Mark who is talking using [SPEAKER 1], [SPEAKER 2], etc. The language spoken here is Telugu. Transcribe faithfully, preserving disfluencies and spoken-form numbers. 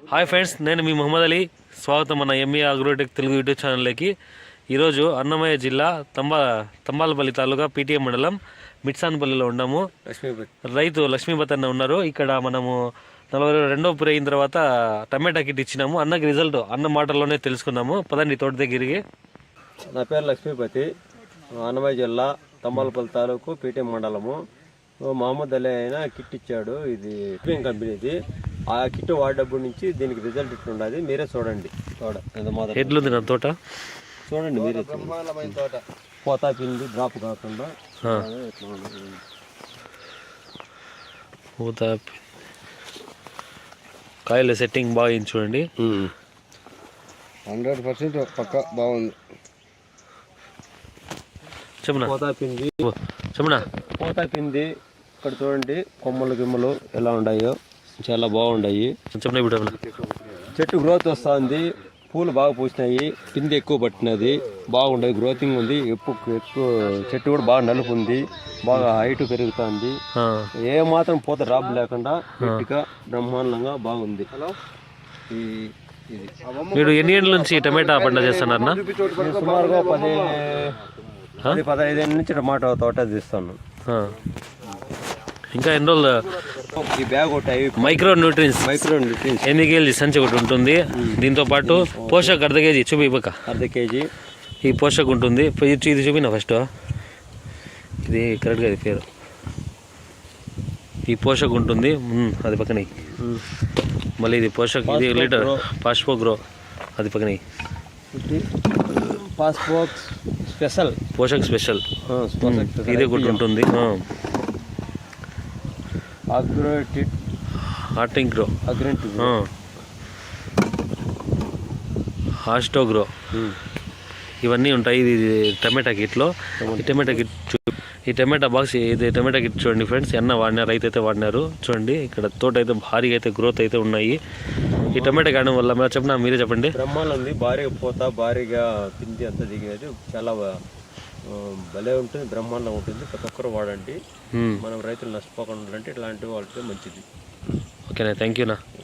[SPEAKER 1] హాయ్ ఫ్రెండ్స్, నేను మీ మొహమ్మద్ అలీ. స్వాగతం మన ఎంఈ అగ్రోటెక్ తెలుగు యూట్యూబ్ ఛానల్లోకి. ఈరోజు అన్నమయ్య జిల్లా తంబా తంబాలపల్లి తాలూకా పీటీఎం మండలం మిట్సాన్పల్లిలో ఉన్నాము. రైతు లక్ష్మీపతి అన్న ఉన్నారు. ఇక్కడ మనము నలభై రెండో పురి అయిన తర్వాత టమాటా కిట్ ఇచ్చినాము. అన్నకి రిజల్ట్ అన్న మాటల్లోనే తెలుసుకున్నాము. పదండి తోట దగ్గరికి.
[SPEAKER 2] నా పేరు లక్ష్మీపతి, అన్నమయ్య జిల్లా తంబాలపల్లి తాలూకు పీటీఎం మండలము. మహమ్మద్ అలీ అయినా కిట్ ఇచ్చాడు. ఇది ఎఫ్ఎం కంపెనీది. ఆ కిట్ వాడేటప్పటి నుంచి దీనికి రిజల్ట్ ఇట్లుండదు. మీరే చూడండి. తోట
[SPEAKER 1] ఎట్లుంది నా తోట
[SPEAKER 2] చూడండి మీరే. తోట పోతా పిండి డ్రాప్ కాకుండా
[SPEAKER 1] పోతా కాయల సెట్టింగ్ బాగా అయింది చూడండి.
[SPEAKER 3] హండ్రెడ్ పర్సెంట్ పక్క బాగుంది.
[SPEAKER 1] చెప్పనా
[SPEAKER 2] పోతా పిండి
[SPEAKER 1] చెప్పనా
[SPEAKER 2] పోతా పిండి ఇక్కడ చూడండి. కొమ్మలు గిమ్మలు ఎలా ఉన్నాయో చాలా బాగున్నాయి.
[SPEAKER 1] చెప్పనా ఇప్పుడు
[SPEAKER 2] చెట్టు గ్రోత్ వస్తుంది. పూలు బాగా పూసినాయి. పిండి ఎక్కువ పట్టినది. బాగుండదు, గ్రోతింగ్ ఉంది. ఎక్కువ ఎక్కువ చెట్టు కూడా బాగా నలుపు ఉంది. బాగా హైట్ పెరుగుతుంది. ఏ మాత్రం పూత డ్రాప్ లేకుండా గట్టిగా బ్రహ్మాండంగా బాగుంది.
[SPEAKER 1] మీరు ఎన్ని ఏళ్ళ నుంచి టమాటా పంట చేస్తున్నారన్నా?
[SPEAKER 2] సుమారుగా పది పది పదహైదు ఏళ్ళ నుంచి టమాటా తోట తీస్తాను.
[SPEAKER 1] ఇంకా ఎన్ని రోజులు
[SPEAKER 2] ఈ బ్యాగ్ ఒకటి
[SPEAKER 1] మైక్రో న్యూట్రియన్స్
[SPEAKER 2] మైక్రో న్యూట్రియన్స్
[SPEAKER 1] ఎన్ని కేజీ సంచి ఒకటి ఉంటుంది. దీంతో పాటు పోషక్ అర్ధ కేజీ చూపి ఇవ్వక
[SPEAKER 2] అర్ధ కేజీ
[SPEAKER 1] ఈ పోషక్ ఉంటుంది. ఇది చూపినా ఫస్ట్. ఇది కరెక్ట్గా ఇది పేరు. ఈ పోషక్ ఉంటుంది అది పక్కన. మళ్ళీ ఇది పోషక్, ఇది లీటర్ పాస్పో గ్రో అది పక్కన.
[SPEAKER 2] పాస్పో స్పెషల్
[SPEAKER 1] పోషక్ స్పెషల్ ఇది ఒకటి ఉంటుంది.
[SPEAKER 2] అగ్రోటిక్
[SPEAKER 1] హార్టింగ్రో
[SPEAKER 2] అగ్రెంటిక్
[SPEAKER 1] హాస్టోగ్రో ఇవన్నీ ఉంటాయి. ఇది టమాటా కిట్లో. ఈ టమాటా కిట్ ఈ టమాటా బాక్స్ ఇది టమాటా కిట్ చూడండి ఫ్రెండ్స్. ఎన్న వాడినారు, రైతు అయితే వాడినారు. చూడండి ఇక్కడ తోట అయితే భారీగా అయితే గ్రోత్ అయితే ఉన్నాయి. ఈ టమాటా కాయడం వల్ల మీరు చెప్పిన మీరే చెప్పండి.
[SPEAKER 2] బ్రహ్మాండం ఉంది. భారీగా పోతా భారీగా పిండి అంతా దిగేది చాలా భలే ఉంటుంది. బ్రహ్మాండం ఉంటుంది. ప్రతి ఒక్కరు వాడండి. మనం రైతులు నష్టపోకుండా ఉండాలంటే ఇట్లాంటివి వాడితే మంచిది.
[SPEAKER 1] ఓకేనా, థ్యాంక్ యూనా.